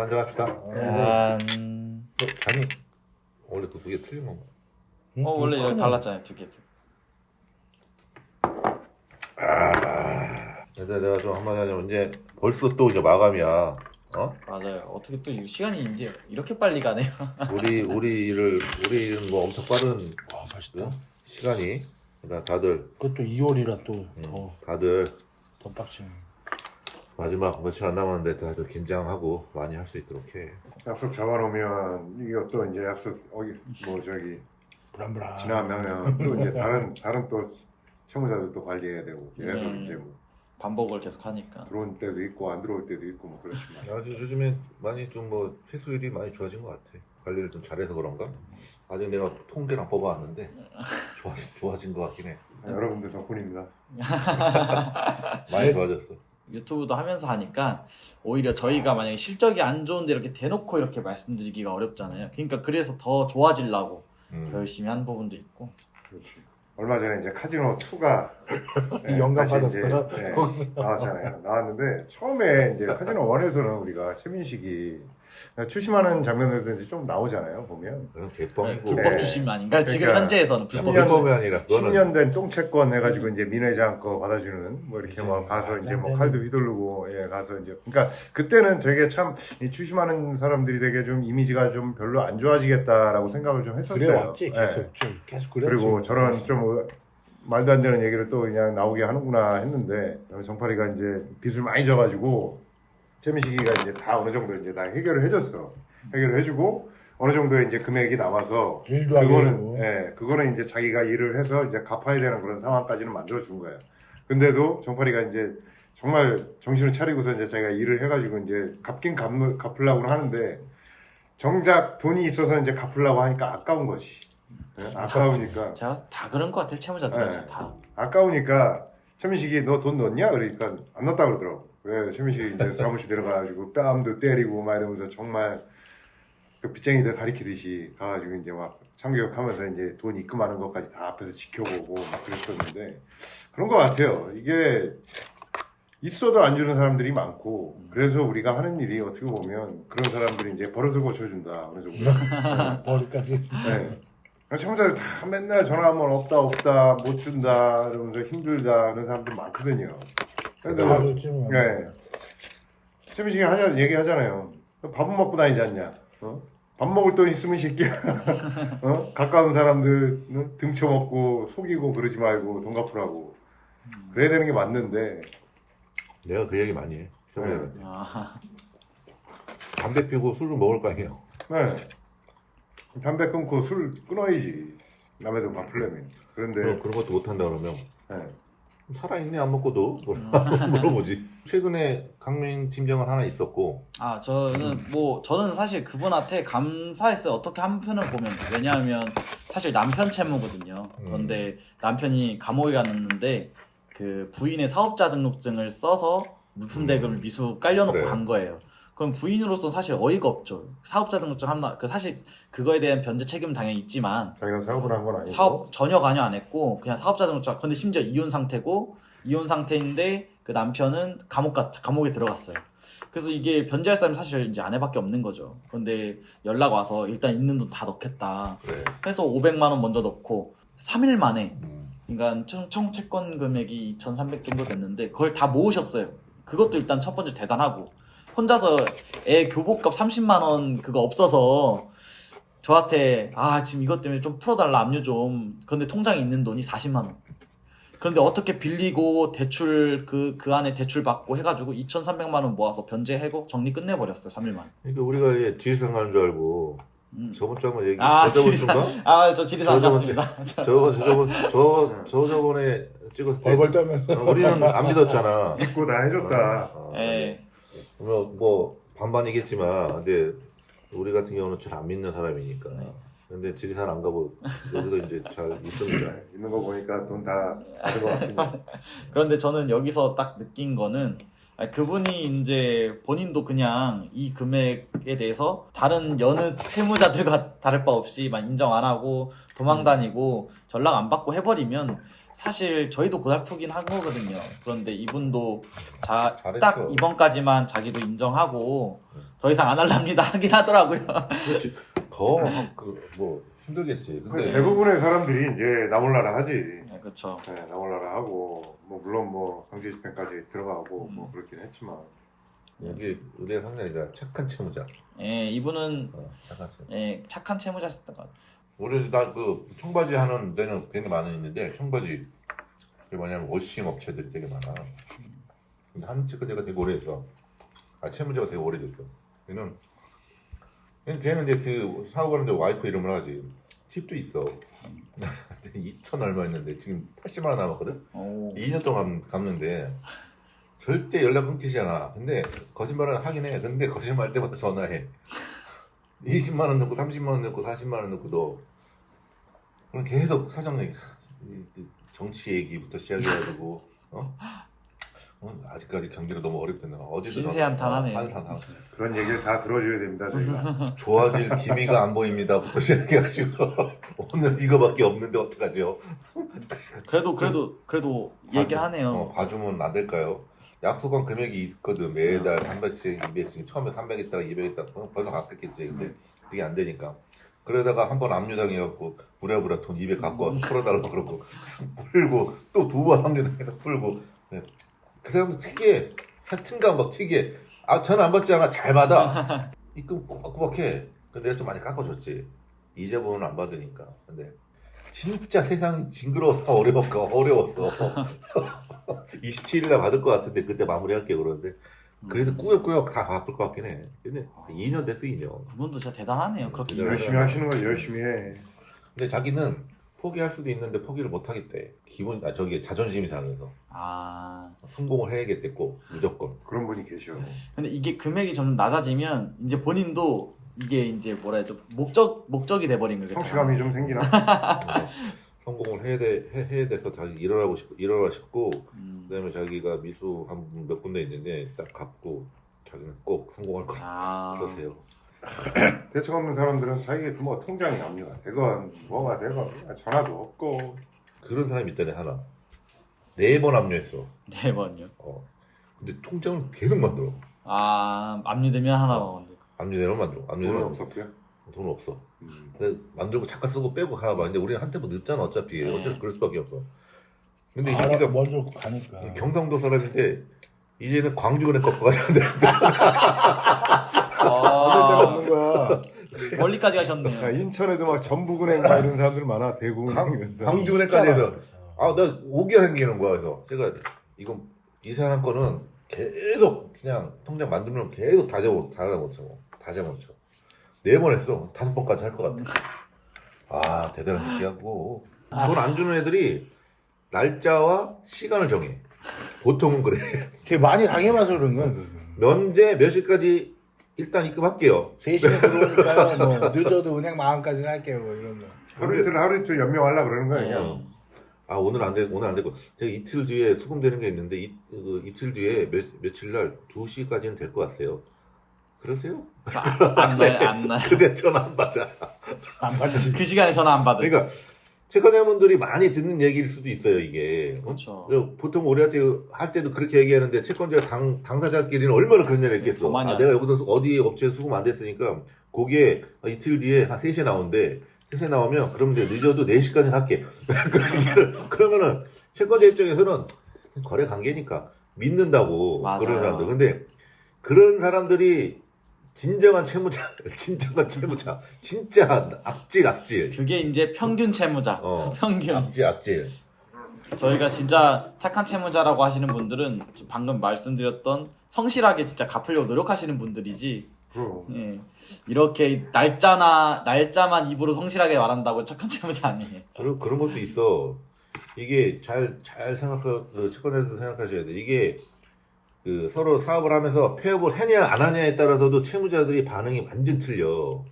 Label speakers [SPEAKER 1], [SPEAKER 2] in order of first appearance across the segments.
[SPEAKER 1] 한잔 합시다. 잔이 원래 그 두 개 틀린 건가?
[SPEAKER 2] 원래 여기 달랐잖아요, 두 개.
[SPEAKER 1] 근데 내가 좀 한마디 하자면 이제 벌써 또 이제 마감이야. 어?
[SPEAKER 2] 맞아요. 어떻게 또 이 시간이 이제 이렇게 빨리 가네요.
[SPEAKER 1] 우리는 뭐 엄청 빠른
[SPEAKER 3] 맛있다.
[SPEAKER 1] 시간이. 그러니까 다들
[SPEAKER 3] 그것도 2월이라 또
[SPEAKER 1] 다들
[SPEAKER 3] 더 빡치네.
[SPEAKER 1] 마지막 며칠 안 남았는데 다들 긴장하고 많이 할 수 있도록 해.
[SPEAKER 4] 약속 잡아놓으면 이게 또 이제 약속 저기
[SPEAKER 3] 불안불안.
[SPEAKER 4] 지나면 또 이제 다른 또 채무자들 또 관리해야 되고 계속 이제 뭐
[SPEAKER 2] 반복을 계속 하니까.
[SPEAKER 4] 들어올 때도 있고 안 들어올 때도 있고 뭐 그렇지만
[SPEAKER 1] 요즘에 많이 좀 뭐 회수율이 많이 좋아진 것 같아. 관리를 좀 잘해서 그런가? 아직 내가 통계랑 뽑아왔는데 좋아진 것 같긴 해.
[SPEAKER 4] 여러분들 덕분입니다.
[SPEAKER 1] 많이 좋아졌어.
[SPEAKER 2] 유튜브도 하면서 하니까 오히려 저희가 만약에 실적이 안 좋은데 이렇게 대놓고 이렇게 말씀드리기가 어렵잖아요. 그러니까 그래서 더 좋아지려고 더 열심히 한 부분도 있고.
[SPEAKER 4] 그렇지. 얼마 전에 이제 카지노 2가
[SPEAKER 3] 영감 받았어요?
[SPEAKER 4] 나왔잖아요. 나왔는데 처음에 이제 카지노 1에서는 우리가 최민식이 추심하는 장면들도 이제 좀 나오잖아요. 보면
[SPEAKER 1] 그건 개뻥이고.
[SPEAKER 2] 불법 추심 아닌가? 지금
[SPEAKER 4] 그러니까
[SPEAKER 2] 현재에서는 불법.
[SPEAKER 1] 불법이 아니라 그거는
[SPEAKER 4] 10년 된 똥채권 해가지고 이제 민회장 거 받아주는 뭐 이렇게 막 가서 이제 뭐 칼도 휘두르고 가서 이제 그러니까 그때는 되게 참 이 추심하는 사람들이 되게 좀 이미지가 좀 별로 안 좋아지겠다라고 생각을 좀 했었어요.
[SPEAKER 3] 그래왔지 계속 계속 그래.
[SPEAKER 4] 그리고 저런 좀 말도 안 되는 얘기를 또 그냥 나오게 하는구나 했는데 정파리가 이제 빚을 많이 져가지고 최민식이가 이제 다 어느 정도 이제 다 해결을 해줬어. 해결을 해주고 어느 정도의 이제 금액이 나와서
[SPEAKER 3] 일도 하고.
[SPEAKER 4] 그거는 이제 자기가 일을 해서 이제 갚아야 되는 그런 상황까지는 만들어 준 거예요. 근데도 정파리가 이제 정말 정신을 차리고서 이제 자기가 일을 해가지고 이제 갚으려고 하는데 정작 돈이 있어서 이제 갚으려고 하니까 아까운 것이. 아까우니까.
[SPEAKER 2] 제가 다 그런 것 같아요. 채무자들 다.
[SPEAKER 4] 아까우니까 최민식이 너 돈 넣었냐? 그러니까 안 넣었다 그러더라고. 왜 최민식이 이제 사무실 들어가가지고 뺨도 때리고 막 이러면서 정말 그 빚쟁이들 가리키듯이 가가지고 이제 막 참교육하면서 이제 돈 입금하는 것까지 다 앞에서 지켜보고 막 그랬었는데 그런 것 같아요. 이게 있어도 안 주는 사람들이 많고 그래서 우리가 하는 일이 어떻게 보면 그런 사람들이 이제 버릇을 고쳐준다 어느 정도.
[SPEAKER 3] 머리까지.
[SPEAKER 4] 네. 채무자들 다 맨날 전화하면 없다 못 준다 이러면서 힘들다 그런 사람들 많거든요. 근데 네. 최민식이 얘기하잖아요. 밥은 먹고 다니지 않냐? 밥 먹을 돈 있으면 이 새끼야. 가까운 사람들 등쳐먹고 속이고 그러지 말고 돈 갚으라고. 그래야 되는 게 맞는데.
[SPEAKER 1] 내가 그 얘기 많이 해.
[SPEAKER 4] 네.
[SPEAKER 1] 담배 피우고 술을 먹을 거 아니에요.
[SPEAKER 4] 네. 담배 끊고 술 끊어야지. 남의 돈 갚으려면. 그런데
[SPEAKER 1] 그런 것도 못 한다 그러면
[SPEAKER 4] 네.
[SPEAKER 1] 살아있네 안 먹고도 물어보지. 최근에 강민 팀장은 하나 있었고.
[SPEAKER 2] 저는 사실 그분한테 감사했어요. 어떻게 한편을 보면. 왜냐하면 사실 남편 채무거든요. 그런데 남편이 감옥에 갔는데 그 부인의 사업자 등록증을 써서 물품 대금을 미수 깔려놓고
[SPEAKER 1] 그래.
[SPEAKER 2] 간 거예요. 그럼 부인으로서 사실 어이가 없죠. 사업자 등록증 사실 그거에 대한 변제 책임은 당연히 있지만
[SPEAKER 4] 자기가 사업을 한 건 아니고
[SPEAKER 2] 사업 전혀 관여 안 했고 그냥 사업자 등록증. 근데 심지어 이혼 상태인데 그 남편은 감옥에 들어갔어요. 그래서 이게 변제할 사람이 사실 이제 아내밖에 없는 거죠. 근데 연락 와서 일단 있는 돈 다 넣겠다.
[SPEAKER 1] 그래.
[SPEAKER 2] 해서 500만 원 먼저 넣고 3일 만에 그러니까 청채권 금액이 2,300 정도 됐는데 그걸 다 모으셨어요. 그것도 일단 첫 번째 대단하고 혼자서 애 교복값 30만 원 그거 없어서 저한테 지금 이것 때문에 좀 풀어달라 압류 좀. 근데 통장에 있는 돈이 40만 원. 그런데 어떻게 빌리고 대출 그 안에 대출 받고 해가지고 2,300만 원 모아서 변제하고 정리 끝내버렸어요. 3일 만에.
[SPEAKER 1] 그러니까 우리가 지리산 가는 줄 알고 저번 주 한번
[SPEAKER 2] 저 지리산 안 갔습니다.
[SPEAKER 1] 저번에 찍었을 때
[SPEAKER 3] 얼굴 떨면서
[SPEAKER 1] 우리는 안 믿었잖아.
[SPEAKER 4] 믿고 다 해줬다.
[SPEAKER 1] 그러면 뭐 반반이겠지만 근데 우리 같은 경우는 잘 안 믿는 사람이니까. 근데 지리산 안 가고 여기서 이제 잘 있습니다.
[SPEAKER 4] 있는 거 보니까 돈 다 받은 것 같습니다.
[SPEAKER 2] 그런데 저는 여기서 딱 느낀 거는 그분이 이제 본인도 그냥 이 금액에 대해서 다른 여느 채무자들과 다를 바 없이 인정 안 하고 도망 다니고 전락 안 받고 해버리면 사실 저희도 고달프긴 한 거거든요. 그런데 이분도 딱
[SPEAKER 1] 잘했어.
[SPEAKER 2] 이번까지만 자기도 인정하고 더 이상 안 할랍니다 하긴 하더라고요.
[SPEAKER 1] 그렇지. 더뭐 힘들겠지. 근데
[SPEAKER 4] 대부분의 사람들이 이제 나몰라라 하지.
[SPEAKER 2] 네, 그렇죠.
[SPEAKER 4] 네, 나몰라라 하고 뭐 물론 뭐 강제 집행까지 들어가고 뭐 그렇긴 했지만
[SPEAKER 1] 이게 우리가 항상 이제 착한 채무자.
[SPEAKER 2] 예, 이분은
[SPEAKER 1] 착한 채.
[SPEAKER 2] 예, 착한 채무자였던 것 같아요.
[SPEAKER 1] 우리 나그 청바지 하는 데는 되게 많이 있는데 청바지 그게 뭐냐면 워싱 업체들이 되게 많아. 근데 한 채권자가 되게 오래됐어. 채무자가 되게 오래됐어. 걔는 이제 그 사업하는데 와이프 이름을 하지. 집도 있어. 2천 얼마 했는데 지금 80만 원 남았거든.
[SPEAKER 2] 오.
[SPEAKER 1] 2년 동안 갚는데 절대 연락 끊기지 않아. 근데 거짓말을 하긴 해. 근데 거짓말 때마다 전화해. 20만 원 넣고 30만 원 넣고 40만 원 넣고 너 그럼 계속 사정 얘기, 정치 얘기부터 시작해가지고 아직까지 경기가 너무 어렵던데 어제도
[SPEAKER 2] 신세한탄하네.
[SPEAKER 1] 한탄
[SPEAKER 4] 그런 얘기를 다 들어줘야 됩니다 저희가.
[SPEAKER 1] 좋아질 기미가 안 보입니다부터 시작해가지고 오늘 이거밖에 없는데 어떡하죠?
[SPEAKER 2] 그래도 얘기를 하네요.
[SPEAKER 1] 봐주면 안 될까요? 약속한 금액이 있거든. 매달 300씩, 200씩. 처음에 300 했다가 200 했다가 벌써 갚겠지. 근데 그게 안 되니까. 그러다가 한 번 압류당해갖고 부랴부랴 돈 200 갖고 와서 풀어달라고 그러고 풀고 또 두 번 압류당해서 풀고. 네. 그 사람도 특이해. 하여튼간 막 특이해. 전화 안 받지 않아. 잘 받아. 입금 꾸벅꾸벅해. 근데 내가 좀 많이 깎아줬지. 이자분은 안 받으니까. 근데 진짜 세상이 징그러워서 어려웠어. 27일날 받을 것 같은데 그때 마무리할게 그러는데 그래도 꾸역꾸역 다 갚을 것 같긴 해. 근데 2년 됐어 2년.
[SPEAKER 2] 그분도 진짜 대단하네요. 그렇게
[SPEAKER 4] 열심히 하시는 걸 열심히 해.
[SPEAKER 1] 근데 자기는 포기할 수도 있는데 포기를 못 하겠대. 저기 자존심이 상해서 성공을 해야겠대 꼭 무조건.
[SPEAKER 4] 그런 분이 계셔.
[SPEAKER 2] 근데 이게 금액이 점점 낮아지면 이제 본인도 이게 이제 뭐라 해야죠? 목적이 돼버린 거겠죠.
[SPEAKER 4] 성취감이 좀 생기나?
[SPEAKER 1] 성공을 해야 돼서 자기 일어나고 싶고 그다음에 자기가 미수 한 몇 군데 있는데 딱 갚고 자기는 꼭 성공할 거야. 그러세요.
[SPEAKER 4] 대책 없는 사람들은 자기 뭐 통장에 압류가 되건 뭐가 되건 전화도 없고.
[SPEAKER 1] 그런 사람이 있다네 하나. 4번 압류했어.
[SPEAKER 2] 4번요.
[SPEAKER 1] 근데 통장을 계속 만들어.
[SPEAKER 2] 압류되면 하나 만들고.
[SPEAKER 1] 압류되면 만들어.
[SPEAKER 4] 돈은 없었고요.
[SPEAKER 1] 돈 없어. 근데 만들고 잠깐 쓰고 빼고 가나 봐. 근데 우리는 한 템포 늦잖아 어차피.
[SPEAKER 2] 네.
[SPEAKER 1] 어차피 그럴 수밖에 없어. 근데 이
[SPEAKER 3] 알아서
[SPEAKER 1] 새끼가
[SPEAKER 3] 먼저 가니까.
[SPEAKER 1] 경상도 사람인데 이제는 광주근에 꺾어 가는데
[SPEAKER 4] 어느 데가 없는 거야.
[SPEAKER 2] 멀리까지 가셨네요.
[SPEAKER 4] 인천에도 막 전북은행 막 이런 사람들 많아. 대구은행.
[SPEAKER 1] 광주근에까지 해서 나 오기가 생기는 거야. 그래서 제가 이 사람 거는 계속 그냥 통장 만들면 계속 다 잡아먹죠. 4번 했어. 5번까지 할 것 같아. 대단한 새끼하고 돈 안 주는 애들이 날짜와 시간을 정해. 보통은 그래.
[SPEAKER 3] 걔 많이 당해봐서 그런 거야.
[SPEAKER 1] 면제 몇 시까지 일단 입금할게요.
[SPEAKER 3] 3시간 들어오니까요. 뭐 늦어도 은행 마감까지는 할게요. 뭐 이런 거.
[SPEAKER 4] 하루 이틀 연명하려고 그러는 거야 그냥.
[SPEAKER 1] 오늘 안 되고 제가 이틀 뒤에 수금되는 게 있는데 이틀 뒤에 며칠 날 2시까지는 될 것 같아요. 그러세요?
[SPEAKER 2] 안 나요.
[SPEAKER 1] 그때 전화 안 받아.
[SPEAKER 3] 안 받지.
[SPEAKER 2] 그 시간에 전화 안 받을.
[SPEAKER 1] 그러니까 채권자분들이 많이 듣는 얘기일 수도 있어요 이게.
[SPEAKER 2] 그렇죠.
[SPEAKER 1] 보통 우리한테 할 때도 그렇게 얘기하는데 채권자 당사자끼리는 얼마나 그런 얘기를 했겠어. 내가 여기서 어디 업체에 수금 안 됐으니까 거기에 이틀 뒤에 한 3시에 나오는데 3시에 나오면 그럼 이제 늦어도 4시까지는 할게. 그러면은 채권자 입장에서는 거래 관계니까 믿는다고.
[SPEAKER 2] 맞아요.
[SPEAKER 1] 그런 사람들. 근데 그런 사람들이 진짜 악질.
[SPEAKER 2] 그게 이제 평균 채무자. 평균.
[SPEAKER 1] 악질.
[SPEAKER 2] 저희가 진짜 착한 채무자라고 하시는 분들은 방금 말씀드렸던 성실하게 진짜 갚으려고 노력하시는 분들이지. 예. 이렇게 날짜만 입으로 성실하게 말한다고 착한 채무자 아니에요.
[SPEAKER 1] 그런 것도 있어. 이게 잘 채권자들도 생각하셔야 돼. 이게 서로 사업을 하면서 폐업을 하냐 안 하냐에 따라서도 채무자들이 반응이 완전 틀려.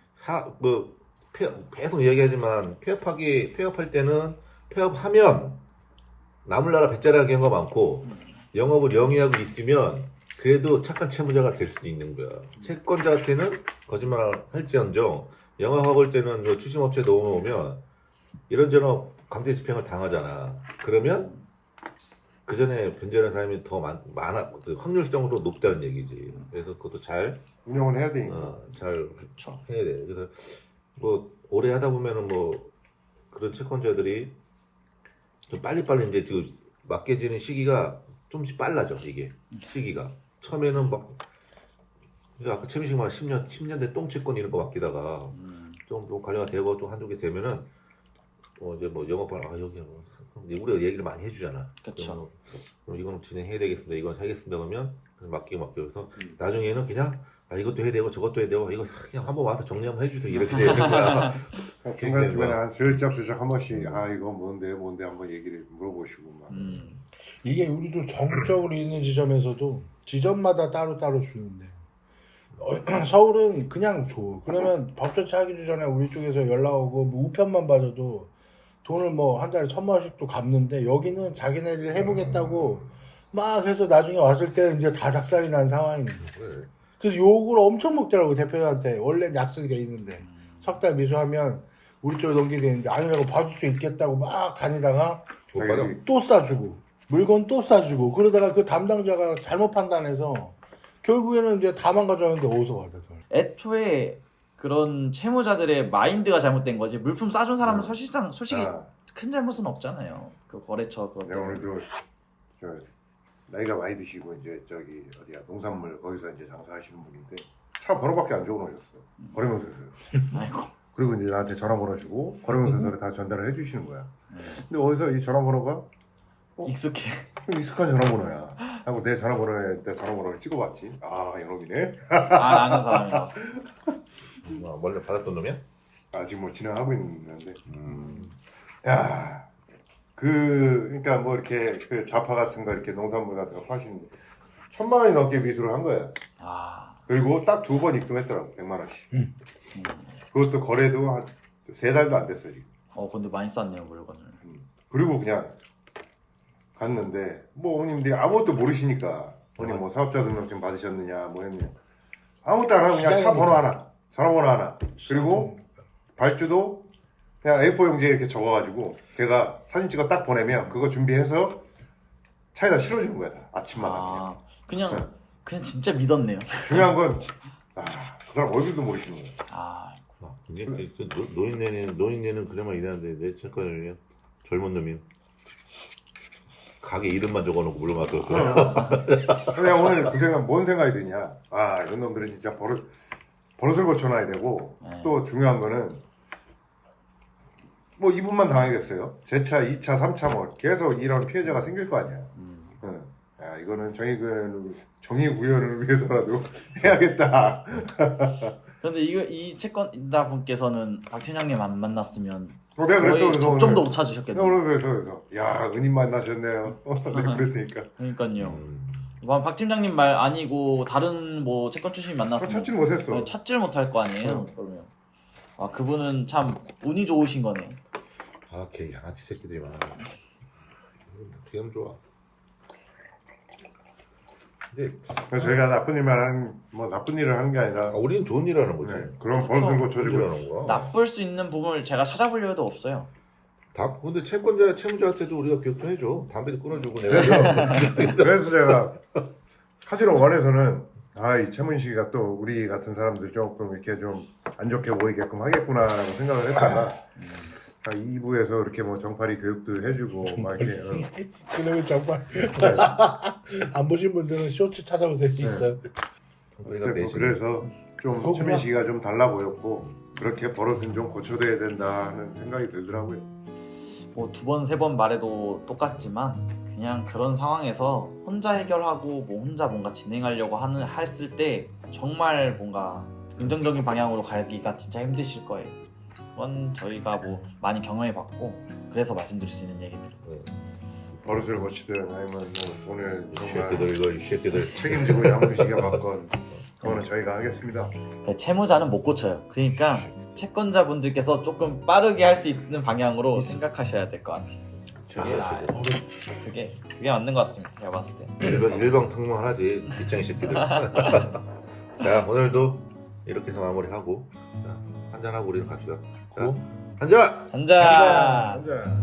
[SPEAKER 1] 계속 이야기하지만 폐업할 때는 폐업하면 나물나라 배짜리라는 경우가 많고 영업을 영위하고 있으면 그래도 착한 채무자가 될 수도 있는 거야. 채권자한테는 거짓말을 할지언정 영업하고 올 때는 추심업체 넣어놓으면 이런저런 강제 집행을 당하잖아. 그러면 그 전에 변제하는 사람이 더 많아, 그 확률적으로 높다는 얘기지. 그래서 그것도 잘,
[SPEAKER 4] 운영은 해야 되니까.
[SPEAKER 1] 잘
[SPEAKER 2] 그렇죠.
[SPEAKER 1] 해야 돼. 그래서 뭐 오래 하다 보면은 뭐 그런 채권자들이 좀 빨리빨리 이제 그 맡겨지는 시기가 좀씩 빨라져. 이게 시기가 처음에는 막 그러니까 아까 최민식 말 10년 대 똥채권 이런 거 맡기다가 좀 관리가 되고 좀 한두 개 되면은 이제 뭐 영업할 여기 뭐 우리가 얘기를 많이 해주잖아.
[SPEAKER 2] 그쵸.
[SPEAKER 1] 그럼 이거는 진행해야 되겠습니다. 이건 하겠습니다. 그러면 그냥 맡기고 그래서 나중에는 그냥 이것도 해야 되고 저것도 해야 되고 이거 그냥 한번 와서 정리 한번 해주세요. 이렇게 되는 거야.
[SPEAKER 4] 중간중간에 한 슬쩍슬쩍 한 번씩 이거 뭔데 한번 얘기를 물어보시고 막.
[SPEAKER 3] 이게 우리도 전국적으로 있는 지점에서도 지점마다 따로따로 주는데 서울은 그냥 줘. 그러면 법조차 하기 전에 우리 쪽에서 연락 오고 뭐 우편만 받아도 돈을 뭐 한 달에 1,000만 원씩도 갚는데 여기는 자기네들이 해보겠다고 막 해서 나중에 왔을 때 이제 다 작살이 난 상황입니다.
[SPEAKER 1] 그래.
[SPEAKER 3] 그래서 욕을 엄청 먹더라고 대표한테. 원래 약속이 돼 있는데 석 달 미수하면 우리 쪽에 넘기게 되는데 아니라고 봐줄 수 있겠다고 막 다니다가
[SPEAKER 1] 못 받아.
[SPEAKER 3] 또 싸주고 물건 또 싸주고 그러다가 그 담당자가 잘못 판단해서 결국에는 이제 다 망가졌는데 어디서 받아 그걸.
[SPEAKER 2] 애초에 그런 채무자들의 마인드가 잘못된 거지 물품 싸준 사람은 솔직히
[SPEAKER 4] 아,
[SPEAKER 2] 큰 잘못은 없잖아요. 그 거래처 그거
[SPEAKER 4] 내가
[SPEAKER 2] 때문에.
[SPEAKER 4] 오늘도 저 나이가 많이 드시고 이제 저기 어디야 농산물 거기서 이제 장사하시는 분인데 차 번호밖에 안 적어놓으셨어. 거래명세서요.
[SPEAKER 2] 아이고.
[SPEAKER 4] 그리고 이제 나한테 전화번호 주고 거래명세서를 다 전달을 해주시는 거야. 근데 어디서 이 전화번호가
[SPEAKER 2] 익숙해.
[SPEAKER 4] 익숙한 전화번호야. 하고 내 전화번호를 찍어봤지. 아 이놈이네.
[SPEAKER 2] 아는 사람이라.
[SPEAKER 1] 원래 받았던 놈이야?
[SPEAKER 4] 아직 뭐 진행하고 있는데. 야, 그러니까 뭐 이렇게 그 자파 같은 거 이렇게 농산물 같은 거 파시는데 1,000만 원이 넘게 미수를 한 거야.
[SPEAKER 2] 아.
[SPEAKER 4] 그리고 딱 2번 입금했더라고 100만 원씩. 그것도 거래도 한 3달도 안 됐어 지금.
[SPEAKER 2] 근데 많이 쌌네요 물건을.
[SPEAKER 4] 그리고 그냥 갔는데 뭐 어머님들이 아무것도 모르시니까 어머님 뭐 사업자 등록증 받으셨느냐 뭐 했느냐 아무것도 안 하고 그냥 차 번호 하나 전화번호 하나 그리고 발주도 그냥 A4 용지에 이렇게 적어가지고 걔가 사진 찍어 딱 보내면 그거 준비해서 차에다 실어주는 거야 다. 아침마다
[SPEAKER 2] 그냥 진짜 믿었네요.
[SPEAKER 4] 중요한 건 그 사람 얼굴도 모르시는 거야.
[SPEAKER 2] 아.
[SPEAKER 1] 이제 노인네는 그래만 일하는데 내 채권을 젊은 놈이 가게 이름만 적어놓고 물어봤어.
[SPEAKER 4] 그냥 오늘 그 생각 뭔 생각이 드냐 이런 놈들은 진짜 버릇을 고쳐놔야 되고 또 중요한 거는 뭐 이분만 당하겠어요. 제 차, 2차, 3차 뭐 계속 이런 피해자가 생길 거 아니야. 야 이거는 정의 구현을 위해서라도 해야겠다.
[SPEAKER 2] 근데 이 채권자 분께서는 박 팀장님 안 만났으면
[SPEAKER 4] 내가 그랬어.
[SPEAKER 2] 거의
[SPEAKER 4] 그래서
[SPEAKER 2] 접점도
[SPEAKER 4] 오늘
[SPEAKER 2] 못 찾으셨겠네요.
[SPEAKER 4] 오늘 그래서 야 은인 만나셨네요. 내가 그랬으니까.
[SPEAKER 2] 그러니까요. 박 팀장님 말 아니고 다른 뭐 채권 출신이 만났으면
[SPEAKER 4] 찾지를 못했어.
[SPEAKER 2] 찾지를 못할 거 아니에요. 그러면 그분은 참 운이 좋으신 거네.
[SPEAKER 1] 걔 양아치 새끼들이 많아. 어떻게 하면 좋아. 근데
[SPEAKER 4] 그래서 저희가 나쁜 일을 하는 게 아니라
[SPEAKER 1] 우리는 좋은 일 하는 거지.
[SPEAKER 4] 그런 버릇을
[SPEAKER 1] 좋은 일
[SPEAKER 4] 고쳐주고
[SPEAKER 1] 하는 거야.
[SPEAKER 2] 나쁠 수 있는 부분을 제가 찾아보려 해도 없어요.
[SPEAKER 1] 근데 채무자한테도 우리가 기억도 해줘. 담배도 끊어주고 내가.
[SPEAKER 4] 그래서 제가 사실 원에서는 이 최문식이가 또 우리 같은 사람들 조금 이렇게 좀 안 좋게 보이게끔 하겠구나라고 생각을 했다가 2부에서 이렇게 뭐 정팔이 교육도 해주고 막 이렇게
[SPEAKER 3] 그러면 정말 안 보신 분들은 쇼츠 찾아보세요. 있어요.
[SPEAKER 4] 그래서 좀 최민식이가 좀 달라 보였고 그렇게 버릇은 좀 고쳐둬야 된다 하는 생각이 들더라고요.
[SPEAKER 2] 뭐 2번, 3번 말해도 똑같지만 그냥 그런 상황에서 혼자 해결하고 뭐 혼자 뭔가 진행하려고 했을 때 정말 뭔가 긍정적인 방향으로 가기가 진짜 힘드실 거예요. 그건 저희가 뭐 많이 경험해봤고 그래서 말씀드릴 수 있는 얘기들을.
[SPEAKER 4] 버릇을 고치든 아니면 뭐 오늘 정말
[SPEAKER 1] 이 새끼들.
[SPEAKER 4] 책임지고 양무시게 받건 그거는 저희가 하겠습니다.
[SPEAKER 2] 그러니까 채무자는 못 고쳐요. 그러니까 채권자분들께서 조금 빠르게 할 수 있는 방향으로 생각하셔야 될 것 같아요. 그게 맞는 것 같습니다. 제가 봤을 때.
[SPEAKER 1] 일방통행 하나지 뒷장이 새끼들. 자 오늘도 이렇게 해서 마무리하고 자, 한잔하고 우리는 갑시다. 자,
[SPEAKER 3] 고.
[SPEAKER 1] 한잔!
[SPEAKER 2] 한잔.
[SPEAKER 4] 앉아.